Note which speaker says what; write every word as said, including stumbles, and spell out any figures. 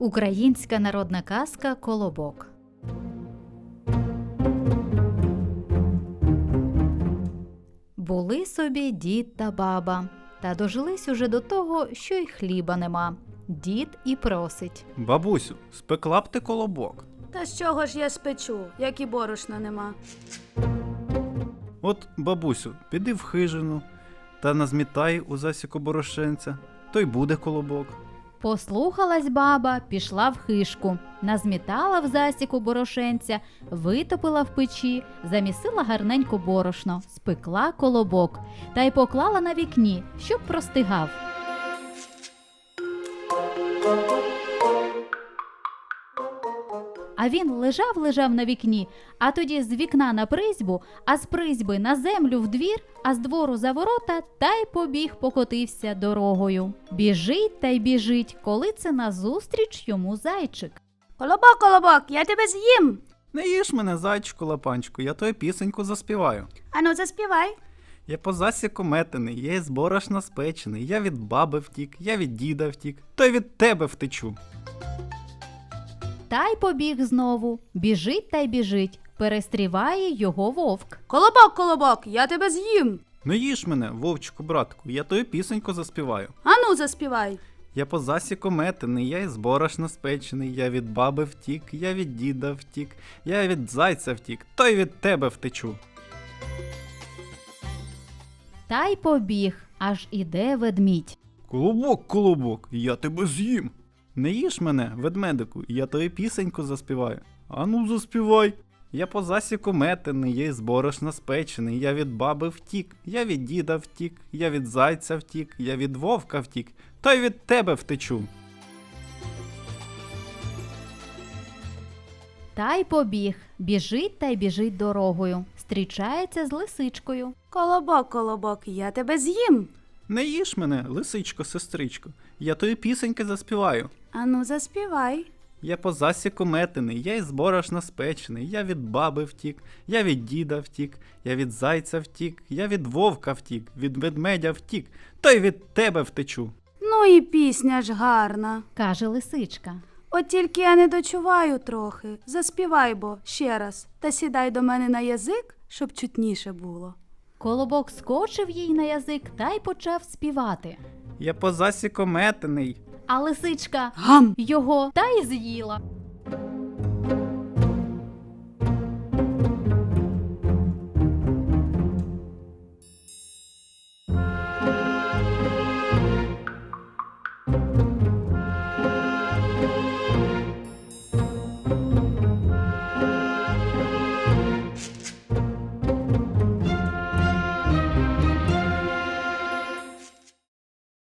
Speaker 1: Українська народна казка «Колобок». Були собі дід та баба, та дожились уже до того, що й хліба нема. Дід і просить.
Speaker 2: Бабусю, спекла б ти колобок.
Speaker 3: Та з чого ж я спечу, як і борошна нема?
Speaker 2: От, бабусю, піди в хижину та назмітай у засіку борошенця, то й буде колобок.
Speaker 1: Послухалась баба, пішла в хишку, назмітала в засіку борошенця, витопила в печі, замісила гарненько борошно, спекла колобок та й поклала на вікні, щоб простигав. А він лежав-лежав на вікні, а тоді з вікна на призьбу, а з призьби на землю в двір, а з двору за ворота, та й побіг покотився дорогою. Біжить та й біжить, коли це назустріч йому зайчик.
Speaker 3: Колобок, колобок, я тебе з'їм.
Speaker 2: Не їж мене, зайчику лапанчику, я тою пісеньку заспіваю.
Speaker 3: Ану, заспівай.
Speaker 2: Я по засіку метений, я із борошна спечений, я від баби втік, я від діда втік, то й від тебе втечу.
Speaker 1: Та й побіг знову, біжить та й біжить, перестріває його вовк.
Speaker 3: Колобок, колобок, я тебе з'їм.
Speaker 2: Не їж мене, вовчику братку, я тою пісеньку заспіваю.
Speaker 3: Ану, заспівай.
Speaker 2: Я по засіку метений, я із борошна спечений, я від баби втік, я від діда втік, я від зайця втік, то й від тебе втечу.
Speaker 1: Та й побіг, аж іде ведмідь.
Speaker 2: Колобок, колобок, я тебе з'їм. Не їж мене, ведмедику, я тою пісеньку заспіваю. Ану, заспівай. Я по засіку метений, я із борошна спечений, я від баби втік, я від діда втік, я від зайця втік, я від вовка втік, то й від тебе втечу.
Speaker 1: Та й побіг, біжить та й біжить дорогою, зустрічається з лисичкою.
Speaker 3: Колобок, колобок, я тебе з'їм.
Speaker 2: Не їж мене, лисичко, сестричко, я тої пісеньки заспіваю.
Speaker 3: Ану, заспівай.
Speaker 2: Я по засіку метений, я із борошна спечений, я від баби втік, я від діда втік, я від зайця втік, я від вовка втік, від ведмедя втік, то й від тебе втечу.
Speaker 3: Ну і пісня ж гарна.
Speaker 1: Каже лисичка.
Speaker 3: От тільки я не дочуваю трохи. Заспівай бо ще раз, та сідай до мене на язик, щоб чутніше було.
Speaker 1: Колобок скочив їй на язик та й почав співати.
Speaker 2: Я по засіку метений.
Speaker 1: А лисичка
Speaker 3: Гам!
Speaker 1: його та й з'їла.